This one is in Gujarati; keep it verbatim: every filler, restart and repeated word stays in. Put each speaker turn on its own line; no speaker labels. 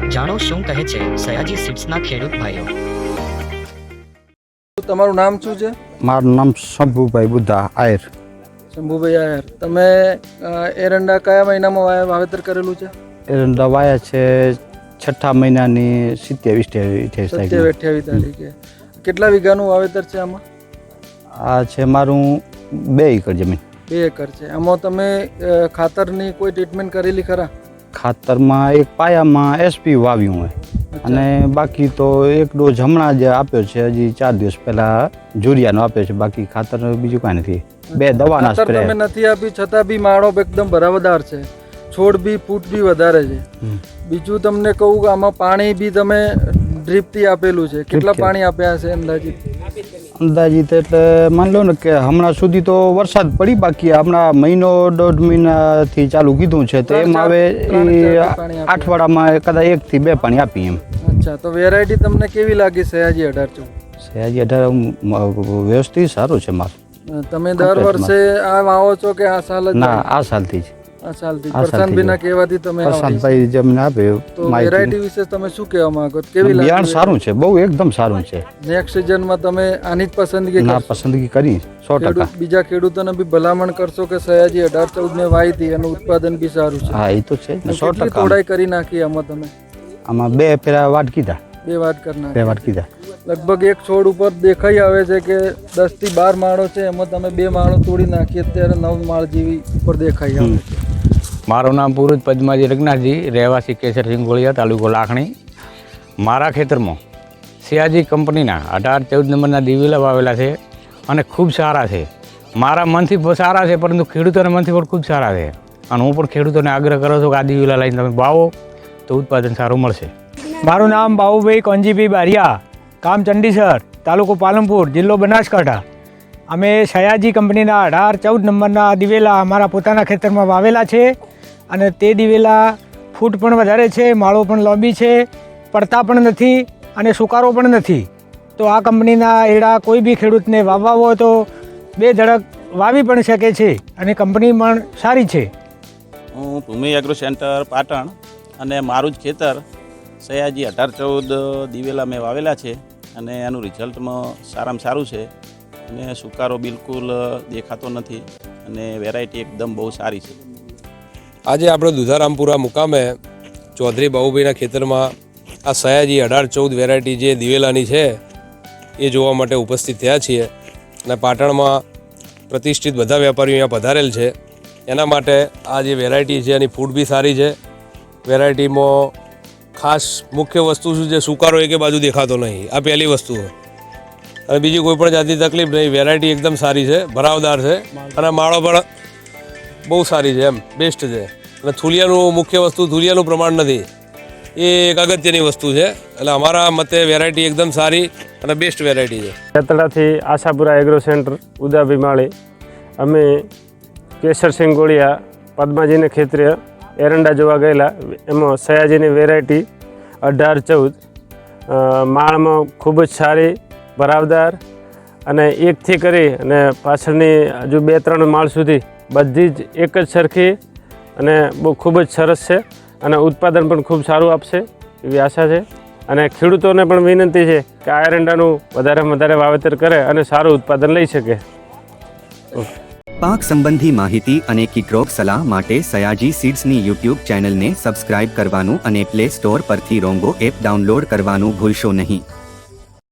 જાણો શું કહે છે સયાજી સીડ્સના ખેડૂત ભાઈઓ।
તમારું નામ શું છે?
મારું નામ શંભુભાઈ બુદ્ધા આયર।
શંભુભાઈ આયર, તમે એરંડા કયા મહિનામાં વાવેતર કરેલું છે?
એરંડા વાયા છે છઠ્ઠા મહિનાની સિત્યાવીસ અઠ્યાવીસ
સત્યાવીસ અઠ્યાવીસ તારીખે। કેટલા વીઘાનું વાવેતર છે આમાં?
આ છે મારું બે એકર જમીન।
બે એકર છે। આમાં તમે ખાતરની કોઈ ટ્રીટમેન્ટ કરેલી ખરા?
ખાતરમાં એક પાયામાં એસપી વાવ્યું હોય અને બાકી તો એક ડોઝ હમણાં જ આપ્યો છે, હજી ચાર દિવસ પહેલા જુરિયાનો આપ્યો છે, બાકી ખાતર બીજું કાંઈ નથી। બે દવાના સ્પ્રે
તમે નથી આપી છતાં બી માળો એકદમ ભરાવદાર છે, છોડ બી ફૂટ બી વધારે છે। બીજું તમને કહું કે આમાં પાણી બી તમે ડ્રીપથી આપેલું છે, કેટલા પાણી આપ્યા હશે અંદાજિત?
અંદાજિત એટલે માની લો ને કે હમણાં સુધી તો વરસાદ પડી, બાકી હમણાં મહિનો દોઢ મહિનાથી ચાલુ કીધું છે તો એમ હવે અઠવાડિયામાં કદાચ એકથી બે પાણી આપી એમ।
અચ્છા, તો વેરાયટી તમને કેવી લાગી સયાજી અઢાર ચૌદ?
સયાજી અઢાર વ્યવસ્થિત સારું છે મારું।
તમે દર વર્ષે આ વાવો છો કે આ સાલ જ?
ના, આ સાલથી જ।
આ સાલથી પ્રશાંતભાઈના કહેવાથી તમે
પ્રશાંતભાઈ જમીન આપે
તો વેરાયટી વિશે તમે શું કહેવા માંગો? કેવી લાગે?
બિયારણ સારું છે, બહુ એકદમ સારું છે।
નેક્સ્ટ સિઝનમાં તમે આની જ પસંદગી
ના પસંદગી કરી સો ટકા।
બીજા ખેડૂતોને બી ભલામણ કરશો કે સયાજી અઢાર ચૌદ ને વાવી હતી એનું ઉત્પાદન બી સારું છે?
હા, એ તો છે સો ટકા।
તોડાઈ કરી નાખી આમાં તમે?
આમાં બે પેલા વાટ કીધા,
બે વાટ કરનાર
બે વાટ કીધા।
લગભગ એક છોડ ઉપર દેખાઈ આવે છે કે દસ થી બાર માળો છે, એમાં તમે બે માળો તોડી નાખી, અત્યારે નવ માળ જેવી ઉપર દેખાઈ આવે છે।
મારું નામ પુરુષ પદ્માજી રઘનાથજી, રહેવાસી કેસર સિંગોળિયા, તાલુકો લાખણી। મારા ખેતરમાં સયાજી કંપનીના અઢાર ચૌદ નંબરના દિવેલા વાવેલા છે અને ખૂબ સારા છે। મારા મનથી સારા છે, પરંતુ ખેડૂતોના મનથી પણ ખૂબ સારા છે અને હું પણ ખેડૂતોને આગ્રહ કરું છું કે આ દિવેલા લઈને તમે વાવો તો ઉત્પાદન સારું મળશે।
મારું નામ બાબુભાઈ કોંજીભાઈ બારિયા, ગામ ચંડીસર, તાલુકો પાલનપુર, જિલ્લો બનાસકાંઠા। અમે સયાજી કંપનીના અઢાર ચૌદ નંબરના દિવેલા અમારા પોતાના ખેતરમાં વાવેલા છે અને તે દિવેલા ફૂટ પણ વધારે છે, માળો પણ લાંબી છે, પડતા પણ નથી અને સુકારો પણ નથી। તો આ કંપનીના એડા કોઈ બી ખેડૂતને વાવવા હોય તો બે ધડક વાવી પણ શકે છે અને કંપની પણ સારી છે।
હું ભૂમિ એગ્રો સેન્ટર પાટણ અને મારું જ ખેતર સયાજી અઢાર ચૌદ દિવેલા મેં વાવેલા છે અને એનું રિઝલ્ટમાં સારામાં સારું છે અને સુકારો બિલકુલ દેખાતો નથી અને વેરાયટી એકદમ બહુ સારી છે।
આજે આપણે દુધારામપુરા મુકામે ચૌધરી બાબુભાઈના ખેતરમાં આ સયાજી અઢાર ચૌદ વેરાયટી જે દિવેલાની છે એ જોવા માટે ઉપસ્થિત થયા છીએ અને પાટણમાં પ્રતિષ્ઠિત બધા વેપારીઓ અહીંયા પધારેલ છે। એના માટે આ જે વેરાયટી છે એની ફૂડ બી સારી છે। વેરાયટીમાં ખાસ મુખ્ય વસ્તુ શું છે, સુકારો એકે બાજુ દેખાતો નહીં, આ પહેલી વસ્તુ છે અને બીજી કોઈ પણ જાતની તકલીફ નહીં। વેરાયટી એકદમ સારી છે, ભરાવદાર છે અને માળો પણ બહુ સારી છે, એમ બેસ્ટ છે। અને થુલિયાનું મુખ્ય વસ્તુ થુલિયાનું પ્રમાણ નથી, એ એક અગત્યની વસ્તુ છે। એટલે અમારા મતે વેરાયટી એકદમ સારી અને બેસ્ટ વેરાયટી છે।
ખેતડાથી આશાપુરા એગ્રો સેન્ટર ઉદાભી માળી અમે કેસર સિંગોળિયા પદ્માજીને ખેતરે એરંડા જોવા ગયેલા, એમાં સયાજીની વેરાયટી અઢાર ચૌદ માળમાં ખૂબ જ સારી, ભરાવદાર અને એકથી કરી અને પાછળની હજુ બે ત્રણ માળ સુધી બધી જ એક જ સરખી અને બહુ ખૂબ જ સરસ છે અને ઉત્પાદન પણ ખૂબ સારું આપશે એવી આશા છે। અને ખેડૂતોને પણ વિનંતી છે કે આ એરંડાનું વધારેમાં વધારે વાવેતર કરે અને સારું ઉત્પાદન લઈ શકે।
પાક સંબંધી માહિતી અને કીટરોગ સલાહ માટે સયાજી સીડ્સની યુટ્યુબ ચેનલને સબસ્ક્રાઇબ કરવાનું અને પ્લે સ્ટોર પરથી રોંગો એપ ડાઉનલોડ કરવાનું ભૂલશો નહીં।